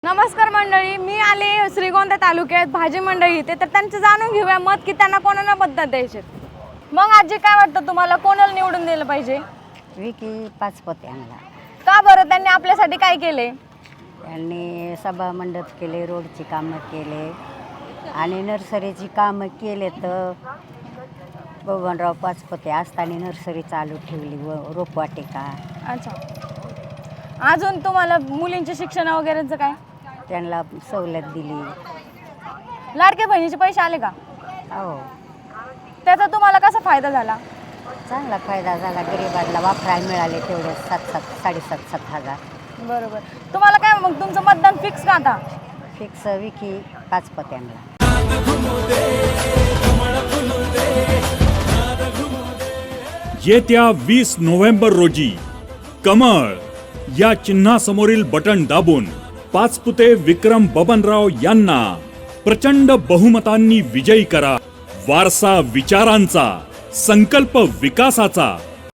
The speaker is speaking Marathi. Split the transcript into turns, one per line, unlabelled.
नमस्कार मंडळी, मी आले श्रीगोंदा तालुक्यात भाजी मंडई इथे, तर त्यांचं जाणून घेऊया मत की त्यांना कोणाला मतदान द्यायचे. मग आजी काय वाटतं तुम्हाला, कोणाला निवडून दिलं पाहिजे?
विकी पाचपते यांना.
का बरं, त्यांनी आपल्यासाठी काय केले?
त्यांनी सभा मंडप केले, रोडची कामं केले आणि नर्सरीची कामं केले. तर बबनराव पाचपते असताना नर्सरी चालू ठेवली व रोपवाटिका.
अच्छा, अजून तुम्हाला मुलींचे शिक्षण वगैरेचं काय?
त्यांना सवलत दिली.
लाडके बहिणीचे पैसे आले का?
हो,
त्याचा तुम्हाला कसा फायदा झाला?
चांगला फायदा झाला. गरिबांना वापरायला मिळाले तेवढे 7,000-7,500.
बरोबर. तुम्हाला काय मग तुमचं मतदान फिक्स का आता?
फिक्स विकी पाचपत्यांना.
येत्या 20 नोव्हेंबर रोजी कमळ या चिन्हासमोरील बटन दाबून पाचपुते विक्रम बबनराव यांना प्रचंड बहुमतांनी विजयी करा. वारसा विचारांचा, संकल्प विकासाचा.